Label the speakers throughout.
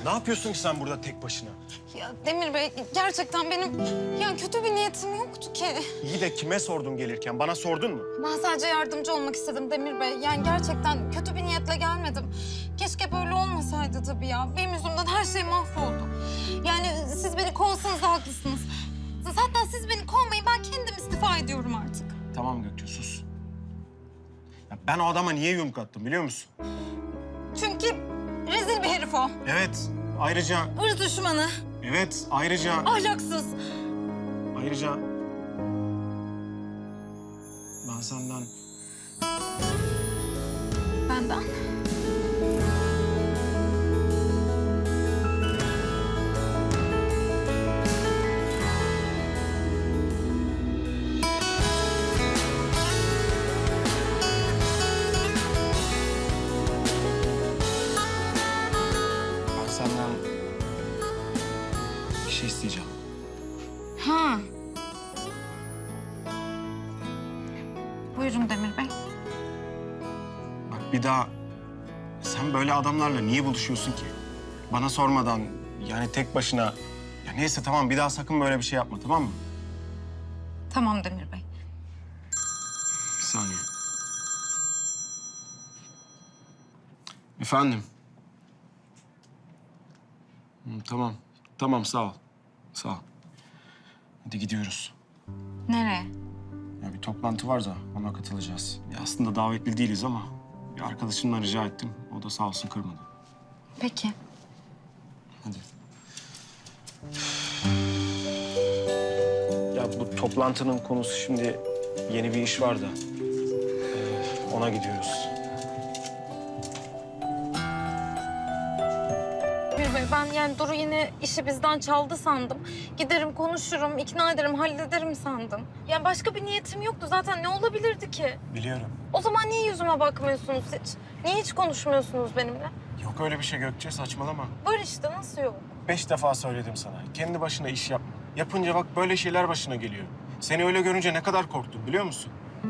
Speaker 1: Ne yapıyorsun ki sen burada tek başına?
Speaker 2: Ya Demir Bey gerçekten benim yani kötü bir niyetim yoktu ki.
Speaker 1: İyi de kime sordun gelirken? Bana sordun mu?
Speaker 2: Ben sadece yardımcı olmak istedim Demir Bey. Yani gerçekten kötü bir niyetle gelmedim. Keşke böyle olmasaydı tabii ya. Benim yüzümden her şey mahvoldu. Yani siz beni kovsanız da haklısınız. Zaten siz beni kovmayın, ben kendim istifa ediyorum artık.
Speaker 1: Tamam Gökçe, sus. Ya ben o adama niye yumruk attım biliyor musun?
Speaker 2: Çünkü rezil bir herif o.
Speaker 1: Evet, ayrıca...
Speaker 2: Irz düşmanı,
Speaker 1: Evet, ayrıca...
Speaker 2: ahlaksız.
Speaker 1: Ayrıca... Ben senden...
Speaker 2: Benden?
Speaker 1: Ben senden... bir şey isteyeceğim.
Speaker 2: Ha. Buyurun Demir Bey.
Speaker 1: Bak bir daha... Sen böyle adamlarla niye buluşuyorsun ki? Bana sormadan, yani tek başına... Ya neyse tamam, bir daha sakın böyle bir şey yapma, tamam mı?
Speaker 2: Tamam Demir Bey.
Speaker 1: Bir saniye. Efendim? Tamam. Tamam, sağ ol. Sağ ol. Hadi gidiyoruz.
Speaker 2: Nereye?
Speaker 1: Ya bir toplantı var da ona katılacağız. Ya aslında davetli değiliz ama bir arkadaşımdan rica ettim. O da sağ olsun kırmadı.
Speaker 2: Peki.
Speaker 1: Hadi. Ya bu toplantının konusu şimdi yeni bir iş var da ona gidiyoruz.
Speaker 2: Demir Bey, ben yani Duru yine işi bizden çaldı sandım. Giderim, konuşurum, ikna ederim, hallederim sandım. Yani başka bir niyetim yoktu zaten. Ne olabilirdi ki?
Speaker 1: Biliyorum.
Speaker 2: O zaman niye yüzüme bakmıyorsunuz hiç? Niye hiç konuşmuyorsunuz benimle?
Speaker 1: Yok öyle bir şey Gökçe, saçmalama.
Speaker 2: Var işte, nasıl yok?
Speaker 1: 5 defa söyledim sana. Kendi başına iş yapma. Yapınca bak böyle şeyler başına geliyor. Seni öyle görünce ne kadar korktum biliyor musun?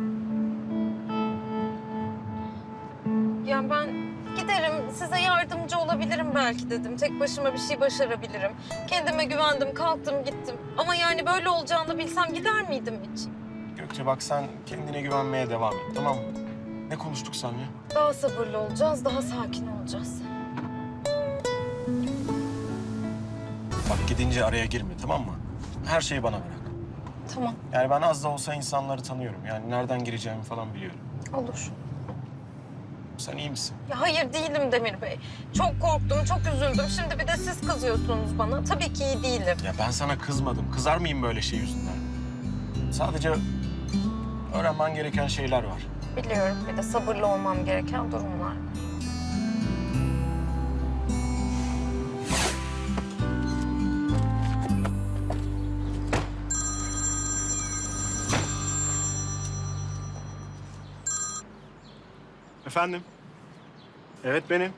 Speaker 2: Yani ben giderim, size yardımcı olabilirim belki dedim. Tek başıma bir şey başarabilirim. Kendime güvendim, kalktım, gittim. Ama yani böyle olacağını bilsem gider miydim hiç?
Speaker 1: Gökçe bak sen kendine güvenmeye devam et, tamam mı? Ne konuştuk seninle?
Speaker 2: Daha sabırlı olacağız, daha sakin olacağız.
Speaker 1: Bak gidince araya girme, tamam mı? Her şeyi bana bırak.
Speaker 2: Tamam,
Speaker 1: Yani ben az da olsa insanları tanıyorum. Yani nereden gireceğimi falan biliyorum.
Speaker 2: olur.
Speaker 1: Sen iyi misin?
Speaker 2: Ya hayır değilim Demir Bey. Çok korktum, çok üzüldüm. Şimdi bir de siz kızıyorsunuz bana. Tabii ki iyi değilim.
Speaker 1: Ya ben sana kızmadım. Kızar mıyım böyle şey yüzünden? Sadece öğrenmen gereken şeyler var.
Speaker 2: Biliyorum, bir de sabırlı olmam gereken durumlar.
Speaker 1: Efendim? Evet benim.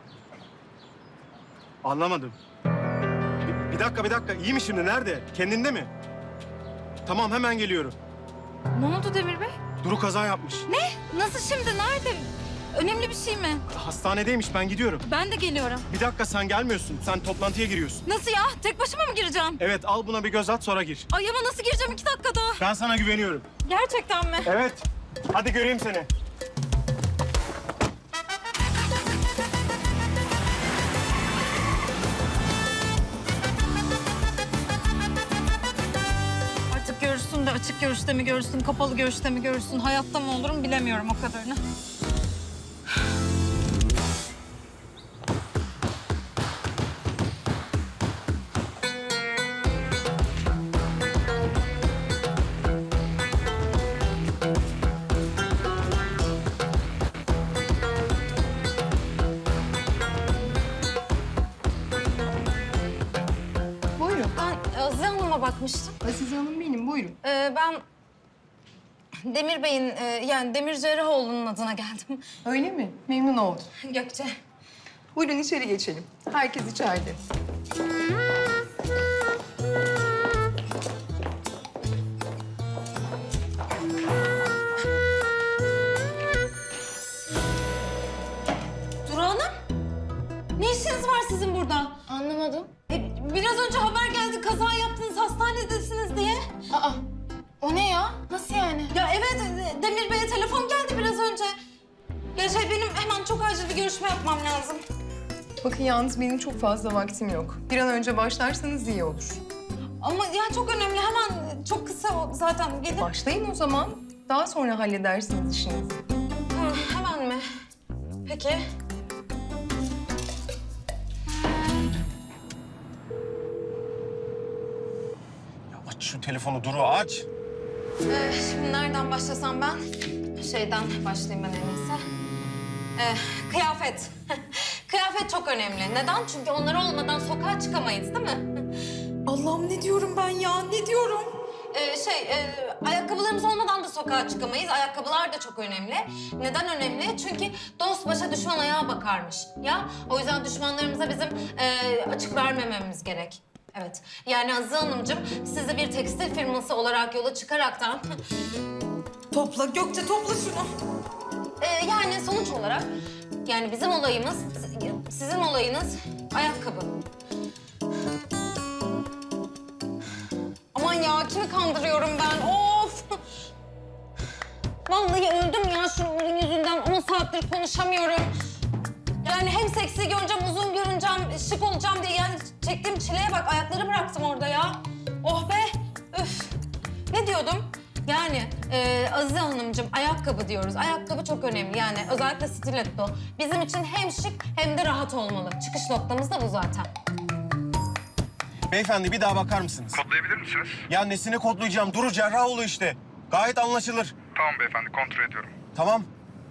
Speaker 1: Anlamadım. Bir dakika, bir dakika. İyi mi şimdi? Nerede? Kendinde mi? Tamam, hemen geliyorum.
Speaker 2: Ne oldu Demir Bey?
Speaker 1: Duru kaza yapmış.
Speaker 2: Nasıl şimdi? Nerede? Önemli bir şey mi?
Speaker 1: Hastanedeymiş, ben gidiyorum.
Speaker 2: Ben de geliyorum.
Speaker 1: Bir dakika, sen gelmiyorsun. Sen toplantıya giriyorsun.
Speaker 2: Nasıl ya? Tek başıma mı gireceğim?
Speaker 1: Evet, al buna bir göz at, sonra gir.
Speaker 2: Ay ama nasıl gireceğim 2 dakikada?
Speaker 1: Ben sana güveniyorum.
Speaker 2: Gerçekten mi?
Speaker 1: Evet. Hadi göreyim seni.
Speaker 2: Artık görürsün de açık görüşte mi görürsün, kapalı görüşte mi görürsün, hayatta mı olurum bilemiyorum o kadarını.
Speaker 3: Buyurun.
Speaker 2: Ben Azize Hanım'a bakmıştım.
Speaker 3: Azize Hanım benim, buyurun.
Speaker 2: Ben Demir Bey'in yani Demir Cerrahoğlu'nun adına geldim.
Speaker 3: Öyle mi? Memnun oldum.
Speaker 2: Gökçe.
Speaker 3: Buyurun içeri geçelim. Herkes içeride.
Speaker 2: Duru Hanım. Ne Ne işiniz var sizin burada?
Speaker 4: Anlamadım.
Speaker 2: Biraz önce haber geldi kaza yaptınız hastanedesiniz diye.
Speaker 4: Aa, o ne ya? Nasıl yani?
Speaker 2: Ya evet Demir Bey'e telefon geldi biraz önce. Ya benim hemen çok acil bir görüşme yapmam lazım.
Speaker 3: Bakın yalnız benim çok fazla vaktim yok. Bir an önce başlarsanız iyi olur.
Speaker 2: Ama ya çok önemli hemen çok kısa zaten gidin.
Speaker 3: Başlayın o zaman. Daha sonra halledersiniz işinizi.
Speaker 2: Hemen mi? Peki.
Speaker 1: Ya aç şu telefonu Duru aç.
Speaker 2: Şimdi nereden başlasam ben? Şeyden başlayayım ben en iyisi. Kıyafet. Kıyafet çok önemli. Neden? Çünkü onlar olmadan sokağa çıkamayız değil mi?
Speaker 5: Allah'ım ne diyorum ben ya? Ne diyorum?
Speaker 2: Ayakkabılarımız olmadan da sokağa çıkamayız. Ayakkabılar da çok önemli. Neden önemli? Çünkü dost başa düşman ayağa bakarmış. Ya o yüzden düşmanlarımıza bizim açık vermememiz gerek. Evet. Yani Azize Hanımcığım sizi bir tekstil firması olarak yola çıkaraktan
Speaker 5: Topla Gökçe topla şunu.
Speaker 2: yani sonuç olarak yani bizim olayımız, sizin olayınız ayakkabı. Aman ya kimi kandırıyorum ben? Of! Vallahi öldüm ya şunun yüzünden. 10 saattir konuşamıyorum. Yani hem seksi görüneceğim, uzun görüneceğim, şık olacağım diye yani çektiğim çileye bak. Ayakları bıraktım orada ya. Oh be! Üf! Ne diyordum? Yani Azize Hanımcığım ayakkabı diyoruz. Ayakkabı çok önemli yani özellikle stiletto. Bizim için hem şık hem de rahat olmalı. Çıkış noktamız da bu zaten.
Speaker 1: Beyefendi bir daha bakar mısınız?
Speaker 6: Kodlayabilir misiniz?
Speaker 1: Ya nesini kodlayacağım? Duru Cerrahoğlu işte. Gayet anlaşılır.
Speaker 6: Tamam beyefendi, kontrol ediyorum.
Speaker 1: Tamam.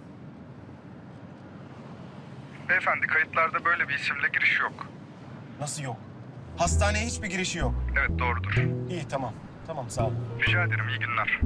Speaker 6: Beyefendi, kayıtlarda böyle bir isimle giriş yok.
Speaker 1: Nasıl yok? Hastaneye hiçbir girişi yok.
Speaker 6: Evet, doğrudur.
Speaker 1: İyi tamam. Tamam sağ ol.
Speaker 6: Rica ederim, iyi günler.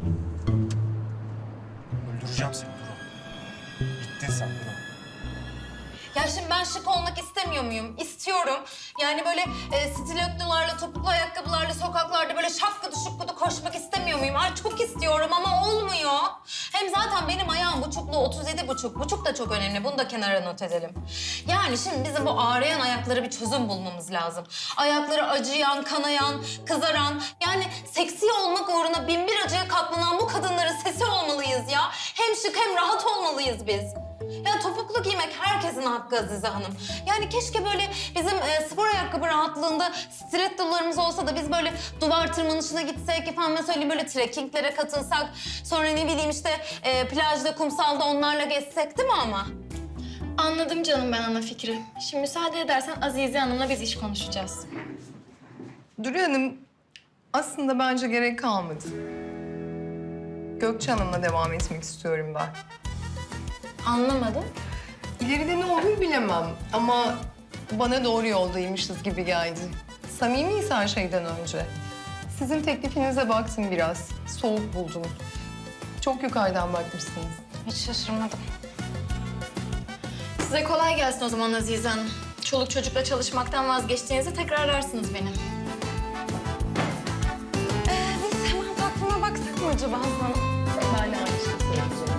Speaker 1: Öldüreceğim seni Duru. Bittin sen Duru.
Speaker 2: Ya şimdi ben şık olmak istemiyor muyum? İstiyorum. Yani böyle stilettolarla, topuklu ayakkabılarla sokaklarda böyle şapkıdı şıkkıdı koşmak istemiyor muyum? Ay çok istiyorum ama olmuyor. Hem zaten benim ayağım buçuklu 37,5. Buçuk da çok önemli. Bunu da kenara not edelim. Yani şimdi bizim bu ağrıyan ayaklara bir çözüm bulmamız lazım. Ayakları acıyan, kanayan, kızaran. Yani seksi olmak uğruna binbir acıya katlanan bu kadınların sesi olmalıyız ya. Hem şık hem rahat olmalıyız biz. Ya topuklu giymek herkesin hakkı Azize Hanım. Yani keşke böyle bizim spor ayakkabı rahatlığında stilettolarımız olsa da biz böyle duvar tırmanışına gitsek, efendime söyleyeyim böyle trekkinglere katılsak. Sonra ne bileyim işte plajda, kumsalda onlarla gezsek değil mi ama?
Speaker 4: Anladım canım ben ana fikri. Şimdi müsaade edersen Azize Hanım'la biz iş konuşacağız.
Speaker 3: Duru Hanım aslında bence gerek kalmadı. Gökçe Hanım'la devam etmek istiyorum ben.
Speaker 4: Anlamadım.
Speaker 3: İleride ne olur bilemem ama bana doğru yoldaymışız gibi geldi. Samimiyiz her şeyden önce. Sizin teklifinize baktım biraz. Soğuk buldum. Çok yukarıdan bakmışsınız.
Speaker 2: Hiç şaşırmadım.
Speaker 4: Size kolay gelsin o zaman Azize Hanım. Çoluk çocukla çalışmaktan vazgeçtiğinizde tekrar ararsınız beni.
Speaker 2: Biz hemen takvime baksak mı acaba Azize Hanım?
Speaker 3: Ben de aynı şeyi söyleyeceğim.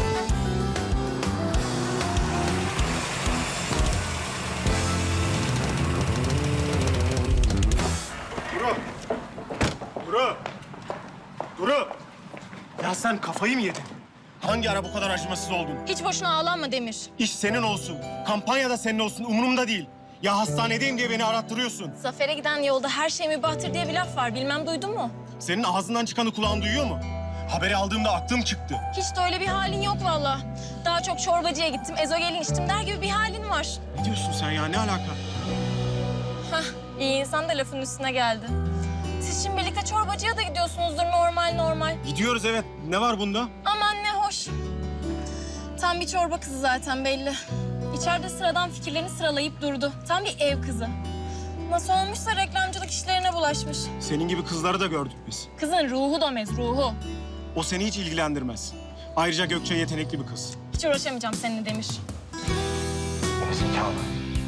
Speaker 1: Duru! Duru! Duru! Ya sen kafayı mı yedin? Hangi ara bu kadar acımasız oldun?
Speaker 4: Hiç boşuna ağlanma Demir.
Speaker 1: İş senin olsun. Kampanya da senin olsun. Umurumda değil. Ya hastanedeyim diye beni arattırıyorsun.
Speaker 4: Zafer'e giden yolda her şey mübahtır diye bir laf var. Bilmem duydun mu?
Speaker 1: Senin ağzından çıkanı kulağın duyuyor mu? Haberi aldığımda aklım çıktı.
Speaker 4: Hiç de öyle bir halin yok vallahi. Daha çok çorbacıya gittim, ezogelin içtim der gibi bir halin var.
Speaker 1: Ne diyorsun sen ya? Ne alaka?
Speaker 4: Hah, iyi insan da lafın üstüne geldi. Siz şimdi birlikte çorbacıya da gidiyorsunuzdur normal.
Speaker 1: Gidiyoruz evet. Ne var bunda?
Speaker 4: Aman ne hoş. Tam bir çorba kızı zaten belli. İçeride sıradan fikirlerini sıralayıp durdu. Tam bir ev kızı. Nasıl olmuşsa reklamcılık işlerine bulaşmış.
Speaker 1: Senin gibi kızları da gördük biz.
Speaker 4: Kızın ruhu domez, ruhu.
Speaker 1: O seni hiç ilgilendirmez. Ayrıca Gökçe yetenekli bir kız.
Speaker 4: Hiç uğraşamayacağım seninle Demir.
Speaker 1: Zekalı.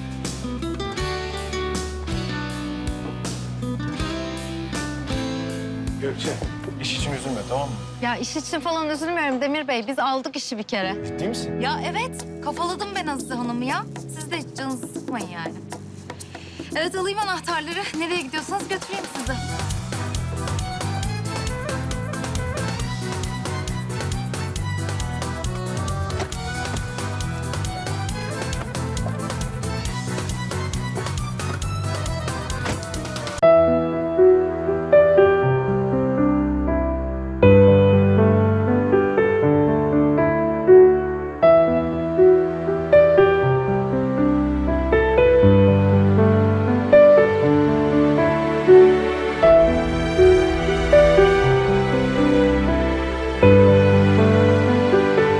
Speaker 1: Gökçe, iş için üzülme tamam mı?
Speaker 2: Ya iş için falan üzülmüyorum Demir Bey. Biz aldık işi bir kere.
Speaker 1: Ciddi misin?
Speaker 2: Ya evet, kafaladım ben Azize Hanım'ı ya. Siz Siz de hiç canınızı sıkmayın yani. Evet, alayım anahtarları. Nereye gidiyorsanız götüreyim sizi.